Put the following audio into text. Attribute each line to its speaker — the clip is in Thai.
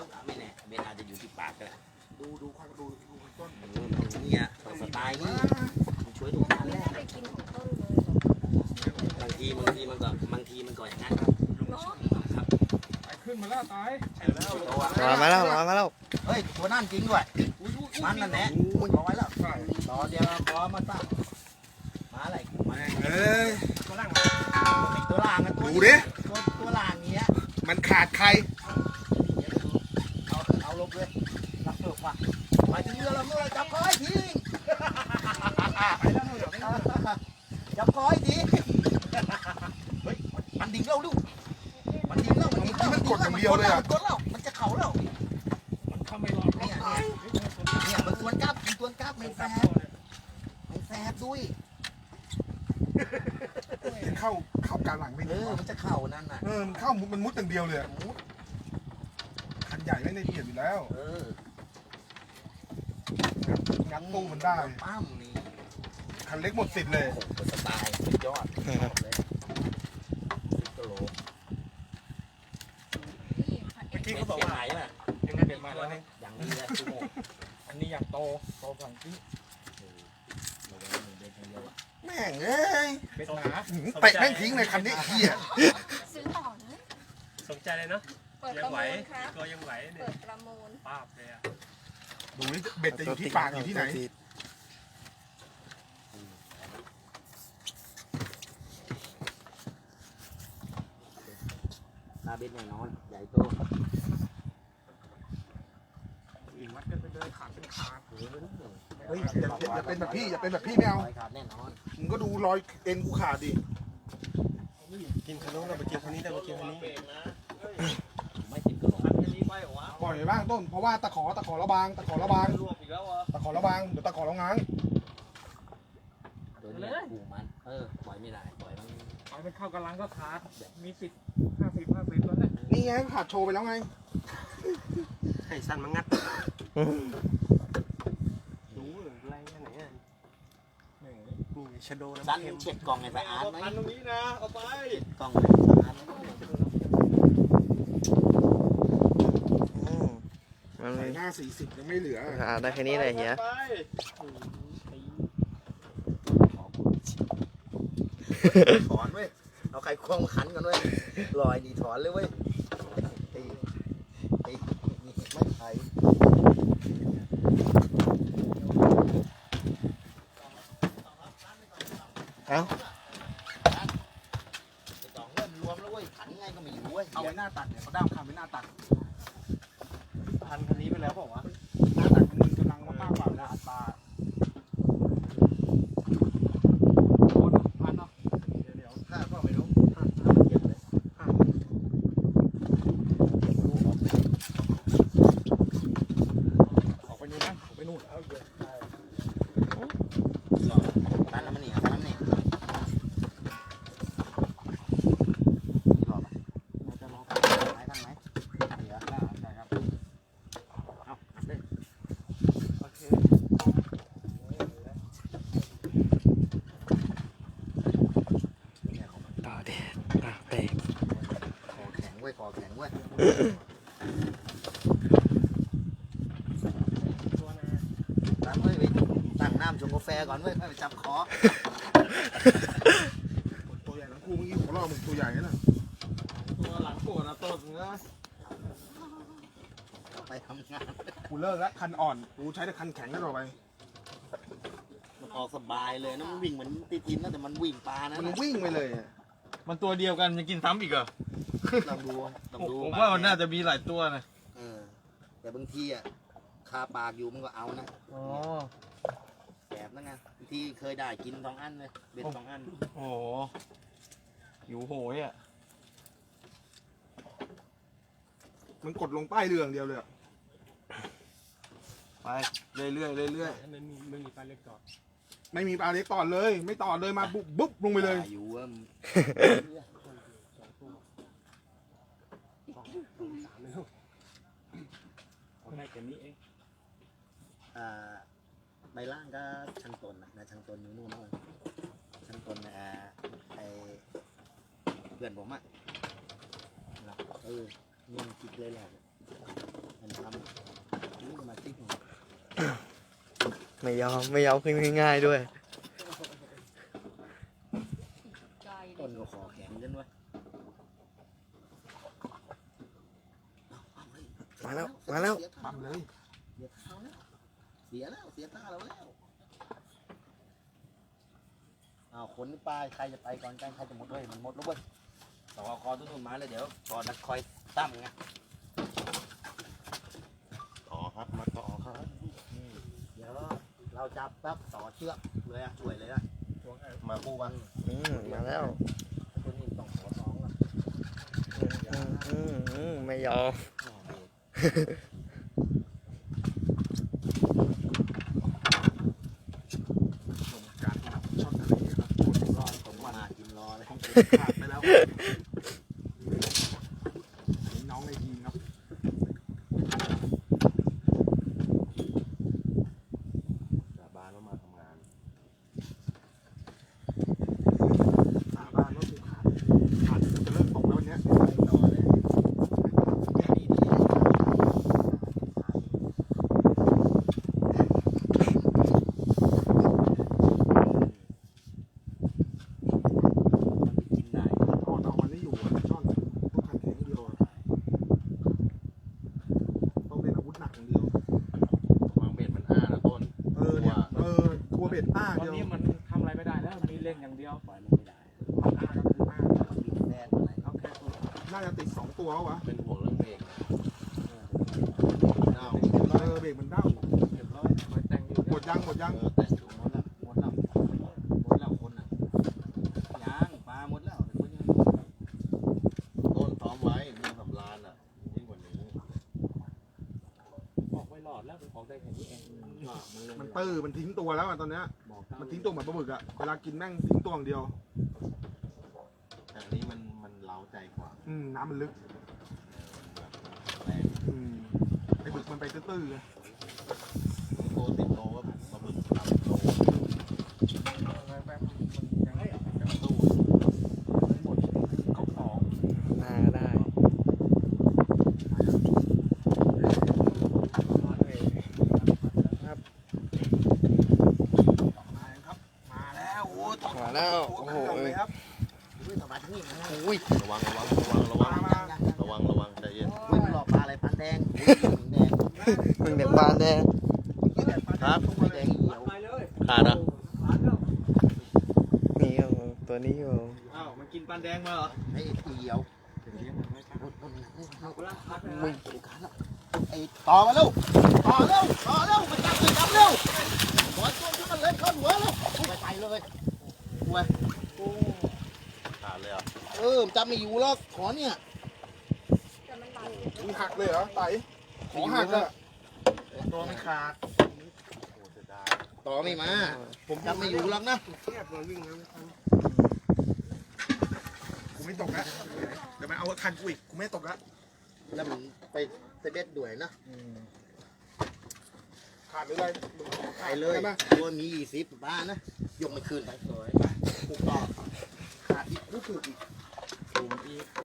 Speaker 1: ไม่แน่เบนอาจจะอยู่ที่ปากก็ได้
Speaker 2: ดูต้น
Speaker 1: เนี่ยสไตล์นี้มันช่วยดูการแรก
Speaker 3: ไปกินของต้นเลย
Speaker 1: บางทีมันก็อย่างนั้นครับครับ
Speaker 2: ตายขึ้นมาแล้วตาย
Speaker 4: มาแล้ว
Speaker 1: เฮ้ยตัวนั่นจริงด้วยมันนั่นแหละรอไว้แล้วรอเดี๋ยวรอมาตั้งมาอะไรมา
Speaker 2: เอ้ย
Speaker 1: ตัวล่างตัวล่างกัน
Speaker 2: ดูดิ
Speaker 1: ตัวล่างเนี้ย
Speaker 2: มันขาดใคร
Speaker 1: เอาลบเลยรับเถอะว่ะมาถึงเรือเราเมื่อจับคอยทีจับคอยทีเฮ้ยมันดิ่งแล้วลูกมันดิ่งแล้วมันกดแล้วมันจะเข่าแล้วมันเข้าไม่รอดเนี่ยมันตัวกับไม่แสบด้วย
Speaker 2: เข้ากลางหลังไม่ดี
Speaker 1: มันจะเข่านั่นน่ะ
Speaker 2: มันเข้ามันมุดอย่างเดียวเลยคันใหญ่ไม่ได้เบียดอยู่แล้วงัดตู้มันได้
Speaker 1: ปั้มนี่
Speaker 2: คันเล็กหมดสิทธิ์เลย
Speaker 1: สไตล์สุดยอดเลยกิโล
Speaker 3: เมื่อกี้
Speaker 1: เขาบอกว่าไหนอ่ะ
Speaker 2: ยังไงเปลี่ยนมาแล้วนี่
Speaker 1: อย่างนี้เลยชั่วโมง
Speaker 2: อันนี้อยากโตฝั่งที่
Speaker 1: แม่งเอ้ย
Speaker 2: เป็นหนาเตะแม่งทิ้งเลยคันนี้เหี้ย
Speaker 3: ซื้อต่อนะ
Speaker 5: สนใจเลยเนาะ
Speaker 3: เปิด
Speaker 5: ยั
Speaker 3: ประ
Speaker 5: ไหว
Speaker 3: มูลครับ
Speaker 5: ตัวยังไหวเนี่
Speaker 3: เปิ
Speaker 5: ย
Speaker 3: ดประมูล
Speaker 5: ป้าบเลยอ่ะ
Speaker 2: ดูนี่เบ็ดจะอยู่ที่ปากอยู่ที่ไหน
Speaker 1: ตาเบ็ดแน่นอนใหญ่โต
Speaker 2: วัดกันไปเลยขาดเป็นขาดเฮ้ยอย่าเป็นแบบพี่ไม่เอา
Speaker 1: ขาดแน่นอน
Speaker 2: มึงก็ดูรอยเอ็นกูขาดดิ
Speaker 5: กินขนมเราไปกินคนนี้ได้ไปกินคนนี้
Speaker 1: ไม่ติดกระโหลก
Speaker 2: ปล่อยบ้างต้นเพราะว่าตะขอระบางเดี๋ยวตะขอระง้าง
Speaker 1: ตัวนี้กูมันปล่อยไม่ได้ปล่อยมัน
Speaker 5: เอาไปเข้ากำลังก็ขาดมีสิทธิ์50แล้วแหละ
Speaker 2: นี่ไงขาดโชว์ไปแล้วไง
Speaker 5: ให้สั้นมางัดดูแรงแค่ไหนอ่ะนี่ชโดนะ
Speaker 1: สั้นเช็ดกล่องไงสะอาดไหม
Speaker 5: ตรงนี้นะเอาไป
Speaker 1: เช็ดกล่องสะอาดไหม
Speaker 4: มัน
Speaker 2: ใส่หน้า40ยังไม่เหลือ
Speaker 4: ได้แค่นี้เลยเฮีย
Speaker 1: ถอนเว้ยเอาไข่ควงมาขันกันเว้ยลอยดีถอนเลยเว้ยตีไม่ไข่
Speaker 4: เอ้า
Speaker 1: สองเริ่มรวมแล้วเว้ยขันไงก็ไม่อยู่เว้ย
Speaker 2: เอาไว้หน้าตัดเนี่ยเขาด้ามคำไว้หน้าตัด
Speaker 5: พันคันนี้ไปแล้วบอกว่า
Speaker 2: หน้าตัดมันกำลังมาป้าเปล่านะอัตราโดนพันเนาะ
Speaker 1: เดี๋ยวข้าก็ไม่รู้เก็บเลยเก็บลูกออกไป
Speaker 2: ออกไปนู่นนะออกไปนู่นเอาเยอะ
Speaker 1: ตันน้ำมันนี่ตันน้ำนี่หลอกเราจะลองไหมตั้งไหมเดี๋ยวได้ครับเอาเลย
Speaker 5: โอเค
Speaker 4: ต่อเด็ดเตะ
Speaker 1: คอแข็งเว้ยคอแข็งเว้ย
Speaker 5: ตัวนะ
Speaker 1: ตั้งเว้ยไปตั้งน้ำชงกาแฟก่อนเว้ยไปจับคอ
Speaker 2: ตัวใหญ่ทั้งคู่เมื่อกี้หัวเราะมึงตัวใหญ่นะ
Speaker 5: ตัวหลังปวดนะต้นเนอะ
Speaker 1: ไปทำงาน
Speaker 2: กูเลิกแล้วคันอ่อนกูใช้แต่คันแข็งก็ต่อไป
Speaker 1: มันออกสบายเลยนะมันวิ่งเหมือนตีทินนะแต่มันวิ่งปลานะ
Speaker 2: มันวิ่งไปเลยอะ
Speaker 5: มันตัวเดียวกันยังกินซ้ำอีกเหรอ
Speaker 1: ลองดูลองดู
Speaker 5: ผมว่ามันน่าจะมีหลายตัวนะ
Speaker 1: แต่บางทีอ่ะคาปากอยู่มันก็เอานะ
Speaker 5: อ๋อ
Speaker 1: แบบนั้นไงบางทีเคยได้กิน2 อันเลยเบ็ด2 อัน
Speaker 5: โอ้โหหิวโหยอ่ะ
Speaker 2: มันกดลงใต้เรืออย่างเดียวเลยอะ
Speaker 5: ไปเรื่อยๆเรื่อยๆไม่มีปลาเล็กจอด
Speaker 2: ไม่มีปลาเล็กต่อเลย ไม่ต่อเลยมาบุ๊บลงไปเลย
Speaker 1: อยู่ว่า
Speaker 5: ได้แค่นี้เอง
Speaker 1: ใบล่างก็ช่างตนนะช่างตนอยู่นู่นนู่นช่างตนไอเพื่อนผมอ่ะนี่มันคิดเลยแหละ
Speaker 4: ไม่ยอมขึ้นง่ายๆด้วย
Speaker 3: ใจเล
Speaker 1: ต้น
Speaker 3: ย
Speaker 1: ก็คอแข็งกันวะ
Speaker 4: มาแล้ว
Speaker 2: ปั๊มเลย
Speaker 1: เสียแล้วเสียท่าเราแล้วอ้าวคนนี่ป้ายใครจะไปก่อนกันใครจะหมดเลยมันหมดแล้วเว้ยต่อคอตุ้นมาเลยเดี๋ยวก่อนนักคอยตั้มไง
Speaker 2: ต่อครับมาต่อครับ
Speaker 1: เดี๋ยวเราจับปั๊บต่อเชือกเลยอ่ะช่วยเลยอ่ะมาคู่กัน
Speaker 4: มาแล้ว
Speaker 1: ตัวนี้ต้องขอสองละ
Speaker 4: ไม่ยอม
Speaker 2: ชมการจับช่อนทะเลครับปวดร้อน
Speaker 1: ผมมากินรอเลย
Speaker 2: ของผมขาดไปแล้วนี่น้องในทีมครับสาบานว่ามาทำงานสาบานว่ากูขาดจะเลิกตกแล้ววันเนี้ย
Speaker 1: ต่อเลยแค่นี้ดีกินได้
Speaker 2: ต่อมันไม่อยู่อะช่อนต้องขัดแข็งเดียวอะต้องเล่นอาวุธหนักอย่างเดียว
Speaker 6: วางเบ็ดมันอ้านะต้น
Speaker 2: เนี่ยกลัวเบ็ดอ้า
Speaker 5: ตอน
Speaker 2: เดียว
Speaker 5: นี้มันทำอะไรไม่ได้แล้วมีเล่นอย่างเดียว
Speaker 1: ปล่อยมันไม่ได้
Speaker 2: อ้าก็คืออ้า
Speaker 1: กินแน่ตัวไหน
Speaker 5: เอาแค่ตัว
Speaker 2: น่าจะติด2ตัววะ
Speaker 6: เป็นห่วงเรื่องเบรกเน่า
Speaker 2: เบรกมันเด้า
Speaker 1: เรียบร้อย
Speaker 5: มาแต่งอยู่
Speaker 2: หมดยัง
Speaker 6: แต่งอยู่
Speaker 1: หมดแล้วหมดแล้วหมดแล้วคนอ่ะยังปลาหมดแล้วคนยัง
Speaker 6: ต้นซ้อมไว้มีสำรานอ่ะยิ่งกว่านี้
Speaker 5: ออกไม่หลอดแล้วออกได้แค่นี้เอง
Speaker 2: มันตื้อมันทิ้งตัวแล้วอะตอนเนี้ย
Speaker 5: บอก
Speaker 2: มันทิ้งตัวเหมือนปลาหมึกอะเวลากินแม่งทิ้งตัวอย่างเดียว
Speaker 6: แต่อันนี้มันเล้าใจกว่า
Speaker 2: น้ำมันลึก
Speaker 6: แรง
Speaker 2: ไอ้บึกมันไปตื้อๆไง
Speaker 6: โตติดโตก็ปลาบึกทำโต
Speaker 5: แป๊บมันยังไม่
Speaker 6: ตู้
Speaker 5: หมดเขาของ
Speaker 4: หน้าก็ได้
Speaker 2: มาครับ มาแล้วโอ้ย
Speaker 4: มาแล้ว โอ้โห
Speaker 2: เลยครับ
Speaker 1: อุ้ยสบายทั้งนี้นะ
Speaker 4: อุ้ย
Speaker 6: ระวัง
Speaker 2: มา
Speaker 6: ระวังใจเย็น
Speaker 1: อุ้ยมันหลอกปลาอะไรปลาแดงอุ้ยแดง
Speaker 4: มึงเด็กบานแน่
Speaker 6: ครับ
Speaker 1: ไม่แดงเหี่ยว
Speaker 5: ไปเลย
Speaker 6: ขาดอ่ะ
Speaker 4: นี่อยู่ตัวนี้อยู่
Speaker 5: อ้าวมันกินปลาแดงมาเหรอ
Speaker 1: ไอ้เหี่ยวมึงไอ้ต่อมาเร็วต่อเร็วมันจับเลยจับเร็วหัวตัวที่มันเล่นเข้าหัวเร็วไปเลยหัว
Speaker 6: ขาดเลยอ่ะ
Speaker 1: จับไม่อยู่แล้วขอเนี่ย
Speaker 3: แต่มันบาด
Speaker 2: มึงหักเลยเหรอไต่ขอหักอะ
Speaker 1: ตัวไม่ขาด
Speaker 6: โอ้เสียดาย
Speaker 1: ต่อไม่มา ผมจับไม่อยู่หรอกนะ
Speaker 2: กูไม่ตกแล้วเดี๋ยวมันเอาคันกูอีกกูไม่ตกแล้ว
Speaker 1: แล้วมันไปเสด็จด้วยนะ
Speaker 2: ขาดหรืออะไร
Speaker 1: ไปเลย
Speaker 2: ใช่ปะ
Speaker 1: ตัวมี20บ้านนะยกไม่คืนไปเลยกูต่อขาดอีกกูคืออีก